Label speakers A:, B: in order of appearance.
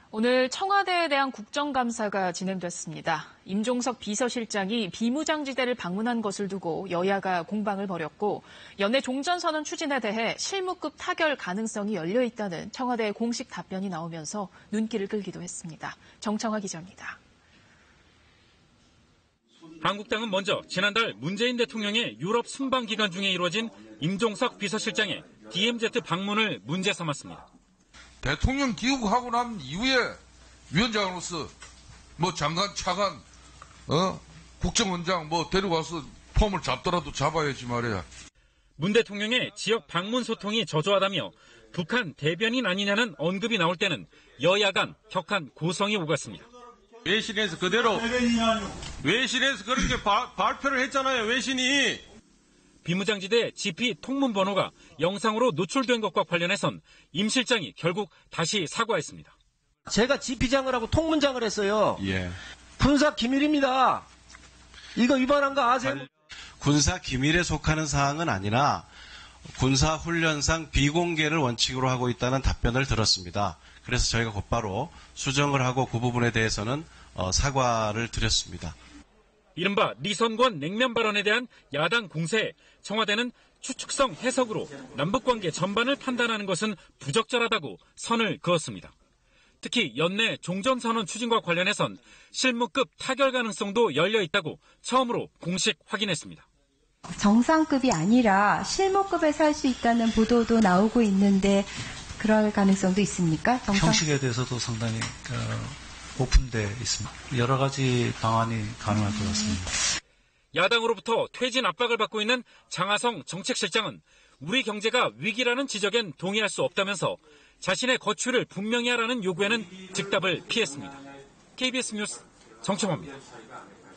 A: 오늘 청와대에 대한 국정감사가 진행됐습니다. 임종석 비서실장이 비무장지대를 방문한 것을 두고 여야가 공방을 벌였고 연내 종전선언 추진에 대해 실무급 타결 가능성이 열려 있다는 청와대의 공식 답변이 나오면서 눈길을 끌기도 했습니다. 정청화 기자입니다.
B: 한국당은 먼저 지난달 문재인 대통령의 유럽 순방 기간 중에 이루어진 임종석 비서실장의 DMZ 방문을 문제 삼았습니다.
C: 대통령 귀국하고 난 이후에 위원장으로서 장관, 차관, 국정원장 데려가서 폼을 잡더라도 잡아야지 말이야.
B: 문 대통령의 지역 방문 소통이 저조하다며 북한 대변인 아니냐는 언급이 나올 때는 여야 간 격한 고성이 오갔습니다.
D: 외신에서 그대로 외신에서 그렇게 발표를 했잖아요. 외신이.
B: 비무장지대 GP 통문 번호가 영상으로 노출된 것과 관련해선 임 실장이 결국 다시 사과했습니다.
E: 제가 GP장을 하고 통문장을 했어요.
D: 예.
E: 군사 기밀입니다. 이거 위반한 거 아세요?
F: 군사 기밀에 속하는 사항은 아니라 군사 훈련상 비공개를 원칙으로 하고 있다는 답변을 들었습니다. 그래서 저희가 곧바로 수정을 하고 그 부분에 대해서는 사과를 드렸습니다.
B: 이른바 리선권 냉면 발언에 대한 야당 공세에 청와대는 추측성 해석으로 남북관계 전반을 판단하는 것은 부적절하다고 선을 그었습니다. 특히 연내 종전선언 추진과 관련해선 실무급 타결 가능성도 열려 있다고 처음으로 공식 확인했습니다.
G: 정상급이 아니라 실무급에서 할 수 있다는 보도도 나오고 있는데 그럴 가능성도 있습니까?
H: 형식에 대해서도 상당히 오픈되어 있습니다. 여러 가지 방안이 가능할 것 같습니다.
B: 야당으로부터 퇴진 압박을 받고 있는 장하성 정책실장은 우리 경제가 위기라는 지적엔 동의할 수 없다면서 자신의 거취를 분명히 하라는 요구에는 즉답을 피했습니다. KBS 뉴스 정청화입니다.